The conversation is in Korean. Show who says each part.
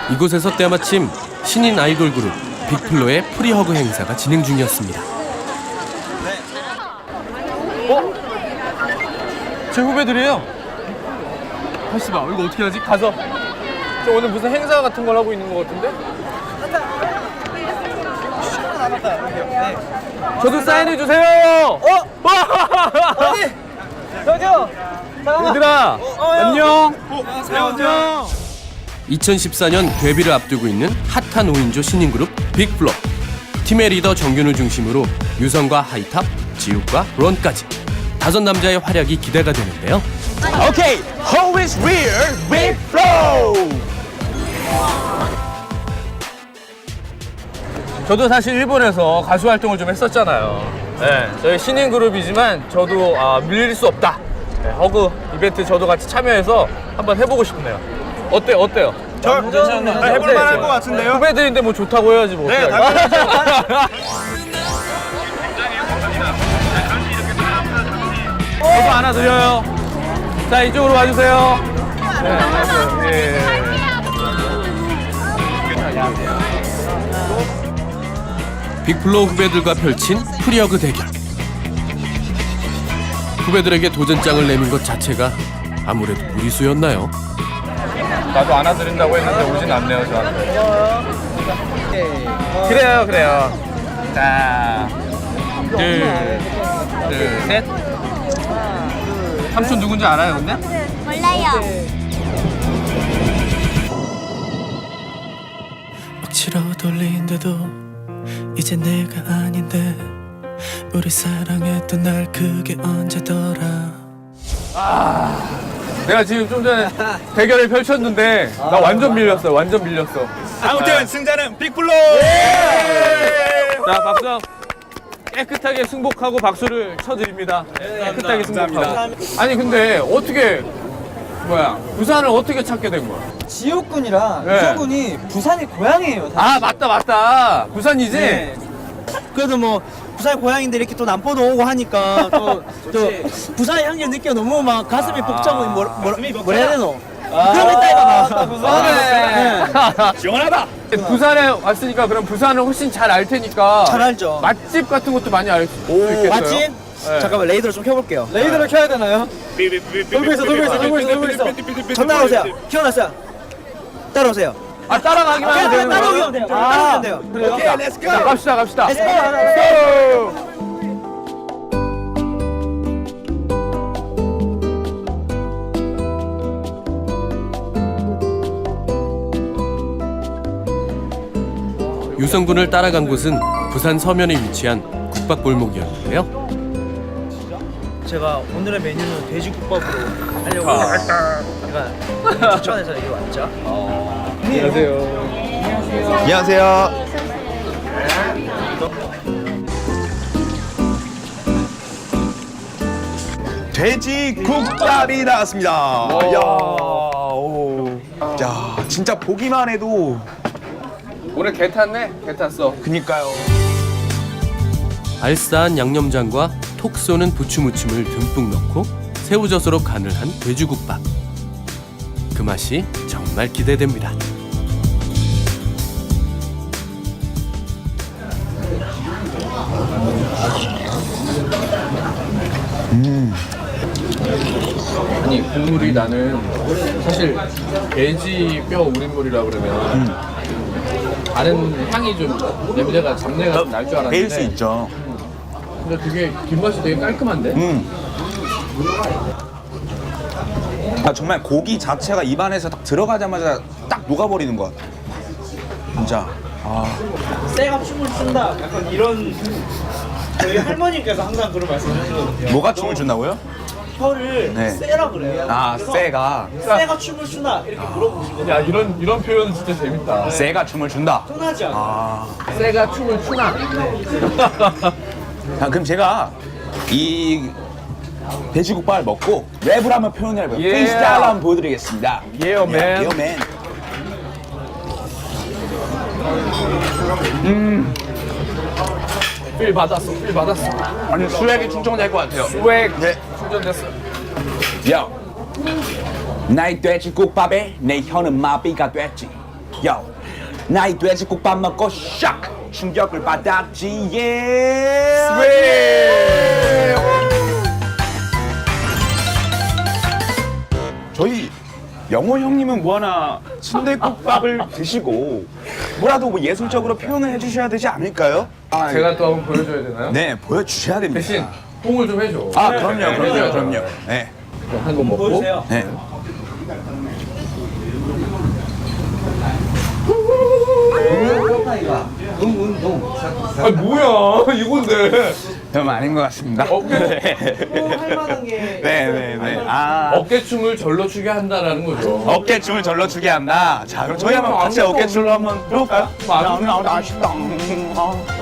Speaker 1: 이곳에서 때마침 신인 아이돌 그룹 빅플로의 프리허그 행사가 진행 중이었습니다.
Speaker 2: 제 후배들이에요. 하시봐, 이거 어떻게 하지? 가서. 저 오늘 무슨 행사 같은 걸 하고 있는 것 같은데? 저도 사인해 주세요.
Speaker 3: 어디? 저기요.
Speaker 2: 얘들아, 안녕. 안녕.
Speaker 1: 2014년 데뷔를 앞두고 있는 핫한 5인조 신인 그룹 빅플로. 팀의 리더 정균을 중심으로 유성과 하이탑, 지욱과 론까지 5남자의 활약이 기대가 되는데요.
Speaker 3: Okay, who is real? Big Flow.
Speaker 2: 저도 사실 일본에서 가수 활동을 좀 했었잖아요. 네, 저희 신인 그룹이지만 저도 밀릴 수 없다. 네, 허그 이벤트 저도 같이 참여해서 한번 해보고 싶네요. 어때요?
Speaker 3: 저 해볼 만할 것 같은데요?
Speaker 2: 후배들인데 뭐 좋다고 해야지 뭐.
Speaker 3: 네,
Speaker 2: 어떡하지? 저도 안아드려요. 자, 이쪽으로 와주세요. 네, 안녕하세요. 예.
Speaker 1: 빅플로 후배들과 펼친 프리허그 대결. 후배들에게 도전장을 내민 것 자체가 아무래도 무리수였나요?
Speaker 2: 나도 안아드린다고 했는데 오진 않네요, 저한테. 그래요. 자, 둘, 셋. 삼촌 누군지 알아요, 근데?
Speaker 4: 몰라요.
Speaker 5: 억지로 돌린데도 이제 내가 아닌데 우리 사랑했던 날 그게 언제더라.
Speaker 2: 내가 지금 좀 전에 대결을 펼쳤는데 나 완전 밀렸어.
Speaker 3: 아무튼 승자는 빅플로.
Speaker 2: 자, 박수. 깨끗하게 승복하고 박수를 쳐드립니다. 깨끗하게 승복하고. 아니 근데 어떻게 부산을 어떻게 찾게 된 거야?
Speaker 6: 지옥군이랑
Speaker 2: 네.
Speaker 6: 유성군이 부산이 고향이에요.
Speaker 2: 아 맞다. 부산이지?
Speaker 6: 네. 그래도 뭐 부산 고향인데 이렇게 또 남포도 오고 하니까 또 부산의 향기를 느껴 너무 막 가슴이 벅차고 뭐라 해야 되노? 그런 거 있다 이거.
Speaker 3: 시원하다.
Speaker 2: 부산에 왔으니까 그럼 부산을 훨씬 잘 알 테니까
Speaker 6: 잘 알죠.
Speaker 2: 맛집 같은 것도 많이 알 수 있겠어요?
Speaker 6: 맞지?
Speaker 2: 네.
Speaker 6: 잠깐만 레이더를 좀 켜볼게요.
Speaker 2: 레이더를 켜야 되나요?
Speaker 6: 돌고 있어. 저 따라오세요. 키워놨어요. 따라오세요.
Speaker 2: 아 따라가기만 하면 되는 거예요?
Speaker 6: 따라오기만 돼요. 따라오면 돼요.
Speaker 2: 그래요?
Speaker 3: 오케이, 렛츠 고.
Speaker 2: 자, 갑시다.
Speaker 6: Let's go.
Speaker 1: 유성군을 따라간 곳은 부산 서면에 위치한 국밥골목이었는데요.
Speaker 6: 제가 오늘의 메뉴는 돼지국밥으로 하려고 제가 추천해서 여기 왔죠.
Speaker 3: 안녕하세요. 돼지국밥이 나왔습니다. 야, 진짜 보기만 해도
Speaker 2: 오늘 개 탔네? 개 탔어.
Speaker 3: 그니까요.
Speaker 1: 알싸한 양념장과 톡 쏘는 부추무침을 듬뿍 넣고 새우젓으로 간을 한 돼지국밥. 그 맛이 정말 기대됩니다.
Speaker 2: 아니 국물이 나는 사실 돼지 뼈 우린물이라 그러면 다른 향이 좀 냄새가 잡내가 좀 날 줄 알았는데
Speaker 3: 배일 수 있죠.
Speaker 2: 근데 되게 뒷맛이 되게 깔끔한데?
Speaker 3: 아, 정말 고기 자체가 입안에서 딱 들어가자마자 딱 녹아버리는 것 같아. 진짜.
Speaker 6: 쇠가 춤을 춘다. 약간 이런 저희 할머니께서 항상 그런 말씀하시거든요.
Speaker 3: 뭐가 춤을 춘다고요?
Speaker 6: 혀를
Speaker 3: 네.
Speaker 6: 쇠라 그래요.
Speaker 3: 아,
Speaker 6: 그래서
Speaker 3: 쇠가.
Speaker 6: 쇠가 춤을 추나 이렇게 물어보시거든요.
Speaker 2: 야 이런 표현 진짜 재밌다.
Speaker 3: 쇠가 춤을 춘다.
Speaker 6: 흔하지 않아요.
Speaker 2: 쇠가 춤을 추나?
Speaker 3: 아, 그럼 제가 이 돼지국밥을 먹고 랩을 한번 표현을 해볼게요.
Speaker 2: 예.
Speaker 3: 프리스타일 한번 보여드리겠습니다.
Speaker 2: Yeah, man.
Speaker 3: Yeah, man.
Speaker 2: 필 받았어.
Speaker 3: 아니, 수액이 충전될 것 같아요.
Speaker 2: 스웩
Speaker 3: 네.
Speaker 2: 충전됐어.
Speaker 3: 야, 나의 돼지국밥에 내 혀는 마비가 됐지. 야, 나이 돼지국밥 먹고 샥 충격을 받았지. 예. 저희 영호 형님은 뭐 하나 순대국밥을 드시고 뭐라도 뭐 예술적으로 표현을 해주셔야 되지 않을까요? 아,
Speaker 2: 제가 또 한번 보여줘야 되나요?
Speaker 3: 네, 보여주셔야 됩니다.
Speaker 2: 대신 홍을 좀 해줘.
Speaker 3: 아, 그럼요. 네.
Speaker 2: 한 번 먹고.
Speaker 6: 보여주세요.
Speaker 3: 네.
Speaker 2: 아 뭐야 이건데.
Speaker 3: 좀 아닌 것 같습니다.
Speaker 6: 할 만한 게
Speaker 3: 네네네. 아,
Speaker 2: 어깨춤을 절로 추게 한다라는 거죠.
Speaker 3: 어깨춤을 절로 추게 한다. 자, 그럼 저희 한번 같이 어깨춤을 한번 해볼까요?
Speaker 2: 맞아.
Speaker 3: 나 아쉽다.